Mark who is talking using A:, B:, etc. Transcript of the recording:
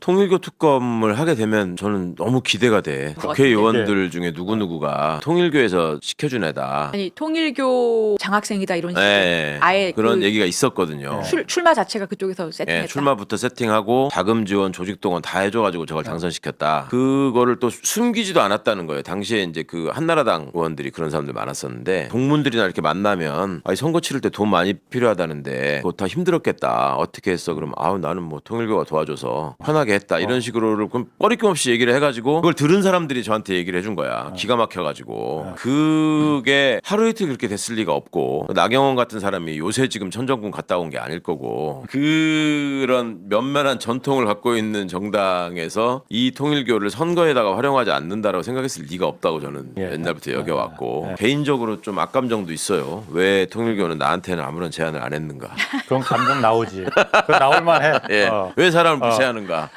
A: 통일교 특검을 하게 되면 저는 너무 기대가 돼. 국회의원들 중에 누구누구가 통일교에서 시켜준 애다.
B: 아니 통일교 장학생이다 이런 식으로
A: 네,
B: 아예
A: 그런 얘기가 있었거든요.
B: 출마 자체가 그쪽에서 세팅했다.
A: 예, 출마부터 세팅하고 자금 지원, 조직 동원 다 해줘가지고 저걸 당선시켰다. 그거를 또 숨기지도 않았다는 거예요. 당시에 이제 그 한나라당 의원들이 그런 사람들 많았었는데 동문들이나 이렇게 만나면 아니 선거 치를 때 돈 많이 필요하다는데 그거 다 힘들었겠다. 어떻게 했어? 그러면 아우 나는 뭐 통일교가 도와줘서 편하게 했다. 이런 식으로를 그럼 꺼리낌 없이 얘기를 해가지고 그걸 들은 사람들이 저한테 얘기를 해준 거야. 기가 막혀가지고 그게 하루 이틀 그렇게 됐을 리가 없고 나경원 같은 사람이 요새 지금 천정군 갔다 온 게 아닐 거고 그런 면면한 전통을 갖고 있는 정당에서 이 통일교를 선거에다가 활용하지 않는다라고 생각했을 리가 없다고 저는 옛날부터 여겨왔고 개인적으로 좀 악감정도 있어요. 왜 통일교는 나한테는 아무런 제안을 안 했는가?
C: 그런 감정 나오지. 그 나올 만해.
A: 예. 왜 사람을 무시하는가?